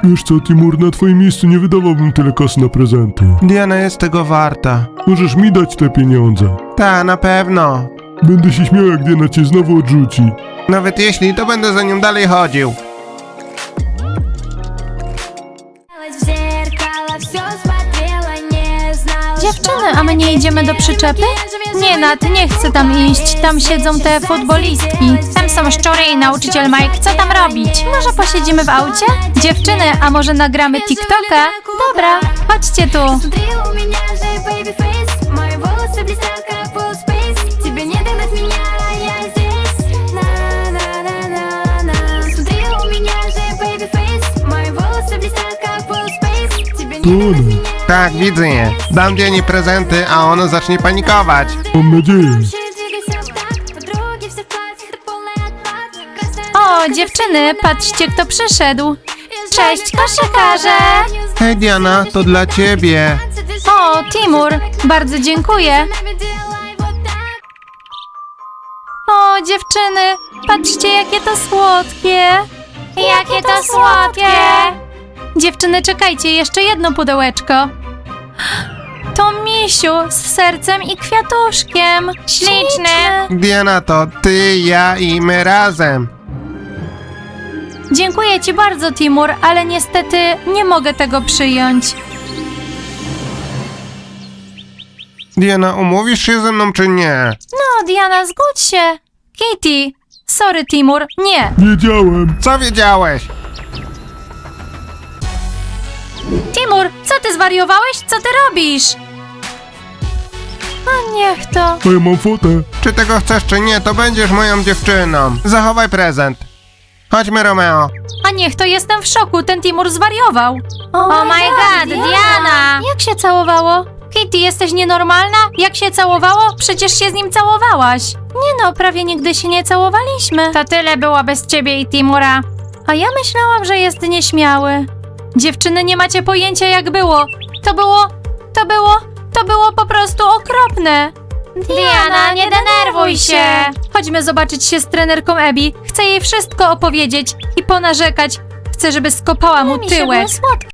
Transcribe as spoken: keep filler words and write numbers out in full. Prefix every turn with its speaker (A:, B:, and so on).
A: Wiesz co, Timur, na twoim miejscu nie wydawałbym tyle kasy na prezenty.
B: Diana jest tego warta.
A: Możesz mi dać te pieniądze.
B: Ta, na pewno.
A: Będę się śmiał, jak Diana cię znowu odrzuci.
B: Nawet jeśli, to będę za nią dalej chodził.
C: В зеркало всё смотрела, не знала,
D: Dziewczyny, a my nie idziemy do przyczepy? Nie, Nat, nie chcę tam iść. Tam siedzą te futbolistki. Tam są szczury i nauczyciel Mike. Co tam robić? Może posiedzimy w aucie? Dziewczyny, a może nagramy TikToka? Dobra, chodźcie tu.
C: Смотри, у меня же baby face. Мои волосы блестят, как full space. Тебе не догнать меня, я здесь. На-на-на-на-на. Смотри, у меня же baby face. Мои волосы блестят, как full space. Тебе не
A: To
C: догнать
A: one.
C: меня.
B: Tak, widzę je. Dam Dianie prezenty, a ona zacznie panikować.
A: Mam nadzieję.
C: Двигайся вот так. Подруги все в платьях, это полный отпад. Красная
D: O, dziewczyny, patrzcie, kto przyszedł. Cześć, koszykarze!
B: Hej Diana, to dla ciebie.
D: O, Timur, bardzo dziękuję. O, dziewczyny, patrzcie, jakie to słodkie. Jakie to słodkie. Dziewczyny, czekajcie, jeszcze jedno pudełeczko. To misiu z sercem i kwiatuszkiem. Śliczne.
B: Diana, to ty, ja i my razem.
D: Dziękuję ci bardzo, Timur, ale niestety nie mogę tego przyjąć.
B: Diana, umówisz się ze mną czy nie?
D: No, Diana, zgódź się. Kitty, sorry, Timur, nie.
A: Wiedziałem.
B: Co wiedziałeś?
D: Timur, co ty zwariowałeś? Co ty robisz? A niech to.
A: A ja mam fotę.
B: Czy tego chcesz czy nie, to będziesz moją dziewczyną. Zachowaj prezent. Chodźmy, Romeo.
D: A niech to, jestem w szoku, ten Timur zwariował. Oh, my god, Diana! Jak się całowało? Kitty, jesteś nienormalna? Jak się całowało? Przecież się z nim całowałaś. Nie no, prawie nigdy się nie całowaliśmy. To tyle było bez ciebie i Timura. A ja myślałam, że jest nieśmiały. Dziewczyny, nie macie pojęcia, jak było. To było, to było, to było po prostu okropne. Diana, nie denerwuj się. Chodźmy zobaczyć się z trenerką Abby. Chcę jej wszystko opowiedzieć i ponarzekać. Chcę, żeby skopała mu tyłek.